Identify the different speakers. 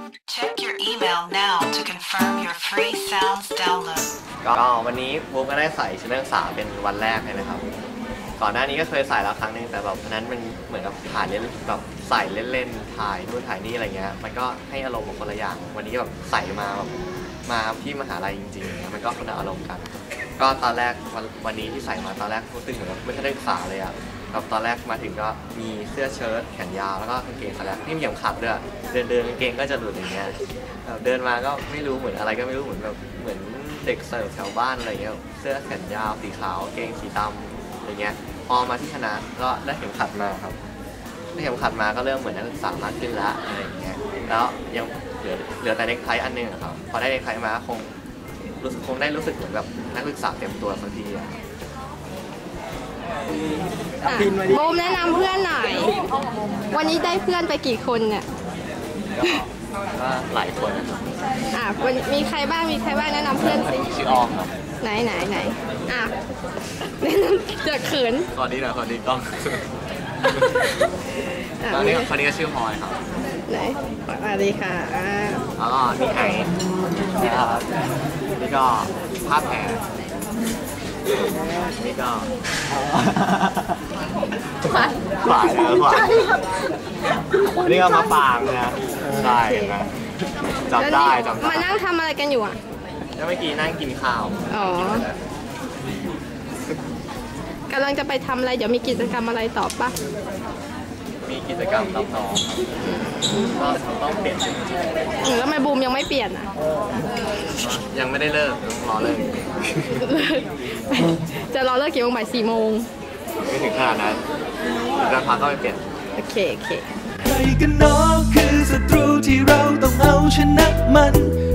Speaker 1: Check your email now to confirm your free sounds download.
Speaker 2: ก็วันนี้บุ๊กก็ได้ใส่ชุดนักศึกษาเป็นวันแรกเลยนะครับก่อนหน้านี้ก็เคยใส่แล้วครั้งนึงแต่แบบนั้นมันเหมือนกับถ่ายเล่นแบบใส่เล่นๆถ่ายนู่นถ่ายนี่อะไรเงี้ยมันก็ให้อารมณ์ของคนละอย่างวันนี้แบบใส่มาแบบมาที่มหาลัยจริงๆมันก็คนละอารมณ์กันก็ตอนแรกวันนี้ที่ใส่มาตอนแรกรู้สึกเหมือนไม่ใช่นักศึกษาเลยอ่ะแบบตอนแรกมาถึงก็มีเสื้อเชิ้ตแขนยาวแล้วก็กางเกงขาแรกที่มีเข็มขัดด้วยเดินกางเกงก็จะหลุดอย่างเงี้ยเดินมาก็ไม่รู้เหมือนอะไรก็ไม่รู้เหมือนแบบเหมือนเด็กเสิร์ฟแถวบ้านอะไรเงี้ยเสื้อแขนยาวสีขาวเกงสีดำอะไรเงี้ยพอมาที่คณะก็ได้เข็มขัดมาครับได้เข็มขัดมาก็เริ่มเหมือนนักศึกษามากขึ้นละอะไรอย่างเงี้ยแล้วยังเหลือแต่เน็กไทอันนึงครับพอได้เน็กไทมาคงได้รู้สึกเหมือนแบบนักศึกษาเต็มตัวสักทีอะ
Speaker 3: โบมแนะนำเพื่อนหน่อยวันนี้ได้เพื่อนไปกี่คนเนี่ย
Speaker 2: ก็หลายคนนะครับ
Speaker 3: มีใครบ้างแนะนำเพื่อนสิ
Speaker 2: ชื่อออมครับ
Speaker 3: ไหนแนะนำจะเขิน
Speaker 2: สวัสดีนะสวัสดีกล้องตอนนี้คนนี้ก็ชื่อพลอยครับ
Speaker 3: ไหนสวัสดีค่ะ
Speaker 2: แล้วก็นี่ไอนี่ก็ภาพแผลนี่ก็ขวายนี่ก็มาปางนะได้นะจำได้
Speaker 3: มานั่งทำอะไรกันอยู่อ่ะ
Speaker 2: แล้วเมื่อกี้นั่งกินข้าว
Speaker 3: กำลังจะไปทำอะไรเดี๋ยวมีกิจกรรมอะไรต่อปะ
Speaker 2: มีกิจกรรมรับน้องก็ต้องเปลี่ยน
Speaker 3: แล้วทำไมบูมยังไม่เปลี่ยนอ่ะ
Speaker 2: ยังไม่ได้เลิกรอเลิก
Speaker 3: จะรอเลิกกี่โมงบ่าย4 โมง
Speaker 2: ไม่ถึงขนาดนั้นแล้วพักก็ไปเปลี่ยน
Speaker 3: โอเค
Speaker 4: ใครกันเนาะคือศัตรูที่เราต้องเอาชนะมัน